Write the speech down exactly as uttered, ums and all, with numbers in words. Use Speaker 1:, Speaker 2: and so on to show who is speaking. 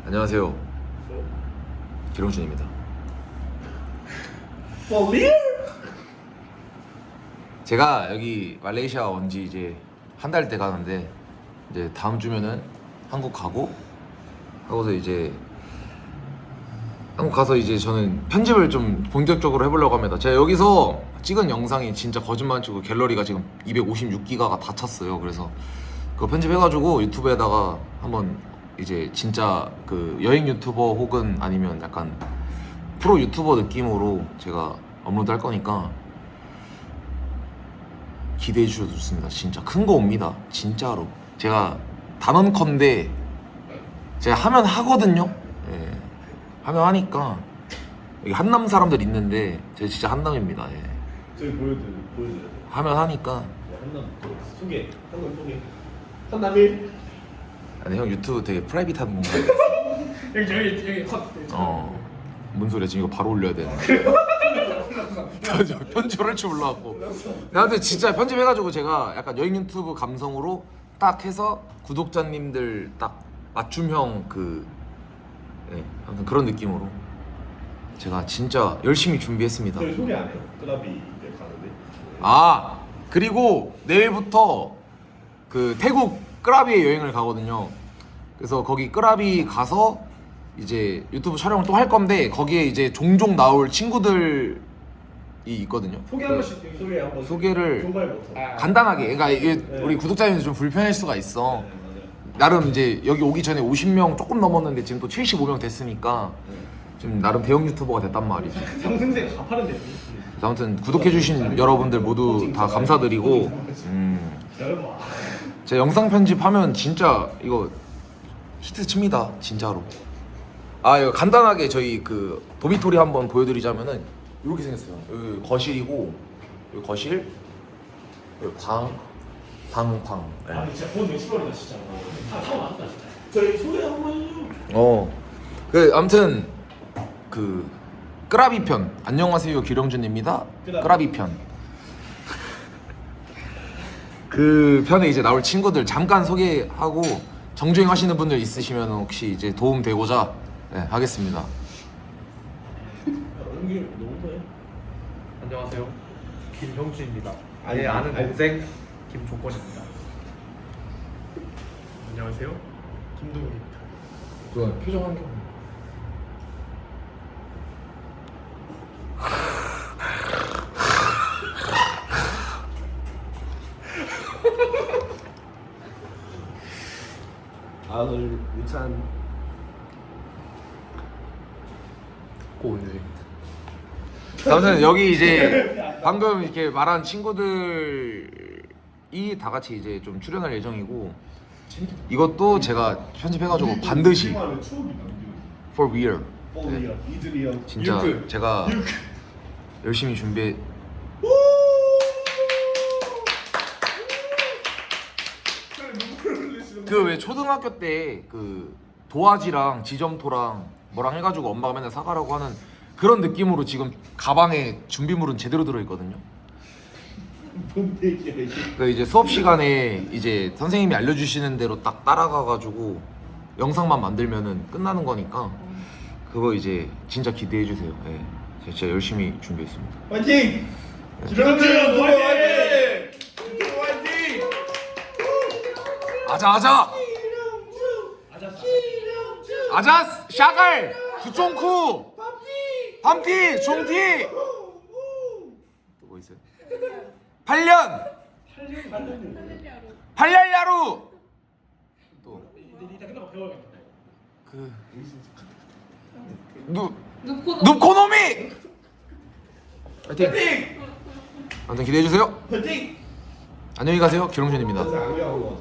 Speaker 1: 안녕하세요. 기롱준입니다. 제가 여기 말레이시아 온지 이제 한 달 돼 가는데 이제 다음 주면은 한국 가고 하고서 이제 한국 가서 이제 저는 편집을 좀 본격적으로 해보려고 합니다. 제가 여기서 찍은 영상이 진짜 거짓말 치고 갤러리가 지금 이백오십육 기가가 다 찼어요. 그래서 그거 편집해가지고 유튜브에다가 한번 이제 진짜 그 여행 유튜버 혹은 아니면 약간 프로 유튜버 느낌으로 제가 업로드 할 거니까 기대해 주셔도 좋습니다. 진짜 큰 거 옵니다. 진짜로. 제가 단언컨대 제가 하면 하거든요. 예. 하면 하니까 여기 한남 사람들 있는데 제가 진짜 한남입니다. 예.
Speaker 2: 저기 보여드려 보여드려.
Speaker 1: 하면 하니까.
Speaker 2: 한남 소개. 한남 소개. 한남일.
Speaker 1: 아니 형 유튜브 되게 프라이빗한 뭔가.
Speaker 3: 여기 여기 여기 컷.
Speaker 1: 어. 뭔 소리야 지금 이거 바로 올려야 되는. 편집, 편집을 할 줄 몰라갖고. 나한테 진짜 편집해가지고 제가 약간 여행 유튜브 감성으로 딱 해서 구독자님들 딱 맞춤형 그 예, 아무튼 그런 느낌으로 제가 진짜 열심히 준비했습니다.
Speaker 2: 저희 소개 안 해요? 클럽이 이제 가는데.
Speaker 1: 아 그리고 내일부터 그 태국 끄라비에 여행을 가거든요. 그래서 거기 끄라비 가서 이제 유튜브 촬영을 또 할 건데 거기에 이제 종종 나올 친구들이 있거든요.
Speaker 3: 소개 한 번씩 여기
Speaker 2: 소개 한번.
Speaker 1: 소개를
Speaker 2: 종발부터.
Speaker 3: 아.
Speaker 1: 간단하게. 그러니까 이게
Speaker 2: 네.
Speaker 1: 우리 구독자님들 좀 불편할 수가 있어.
Speaker 2: 네, 맞아요.
Speaker 1: 나름 이제 여기 오기 전에 오십 명 조금 넘었는데 지금 또 칠십오 명 됐으니까 지금 나름 대형 유튜버가 됐단 말이지.
Speaker 3: 상승세 가파른데.
Speaker 1: 그래서 아무튼 구독해주신 여러분들 모두 다 감사드리고 음,
Speaker 2: 여러분.
Speaker 1: 제 영상 편집하면 진짜 이거 히트 칩니다 진짜로. 아 이거 간단하게 저희 그 도미토리 한번 보여드리자면은 이렇게 생겼어요. 여기 거실이고 여기 거실 여기 방 방, 방. 네.
Speaker 3: 아 진짜 본 외출거리다 진짜. 다 타고 나왔다 진짜.
Speaker 2: 저희 소개 한번 해요.
Speaker 1: 어. 그 아무튼 그 끄라비 편. 안녕하세요 기령준입니다. 끄라비 편. 그 편에 이제 나올 친구들 잠깐 소개하고 정주행 하시는 분들 있으시면 혹시 이제 도움 되고자 네, 하겠습니다.
Speaker 2: 연기 너무 좋아요.
Speaker 3: 안녕하세요. 김형준입니다.
Speaker 2: 아니,
Speaker 3: 내 아는
Speaker 2: 아니.
Speaker 3: 동생 김종권입니다. 안녕하세요. 김동욱입니다.
Speaker 1: 그 표정 한 개.
Speaker 2: 아 오늘 유찬
Speaker 3: 오늘
Speaker 1: 아무튼 여기 이제 방금 이렇게 말한 친구들이 다 같이 이제 좀 출연할 예정이고 이것도 제가 편집해가지고 반드시
Speaker 2: 추억이 남기고.
Speaker 1: for real
Speaker 2: 폴리어, 이즈리어.
Speaker 1: 진짜
Speaker 2: 유크.
Speaker 1: 제가
Speaker 2: 유크.
Speaker 1: 열심히 준비해. 그 왜 초등학교 때 그 도화지랑 지점토랑 뭐랑 해가지고 엄마가 맨날 사가라고 하는 그런 느낌으로 지금 가방에 준비물은 제대로 들어있거든요.
Speaker 2: 뭔 얘기야 이게.
Speaker 1: 그 이제 수업 시간에 이제 선생님이 알려주시는 대로 딱 따라가가지고 영상만 만들면은 끝나는 거니까 그거 이제 진짜 기대해 주세요. 예, 제가 진짜 열심히 준비했습니다.
Speaker 2: 화이팅! 기령준 화이팅! 화이팅!
Speaker 1: 아자 아자 아자스 샤갈 두쫑쿠 밤티 종티 또 뭐 있어요? 팔 년 팔랄야루 또
Speaker 3: 이따 끝나고 배워야겠다.
Speaker 1: 그 누 누코노미 파이팅! 아무튼 기대해 주세요.
Speaker 2: 화이팅!
Speaker 1: 안녕히 가세요. 기롱준입니다.
Speaker 2: 안 배워온 거 같아.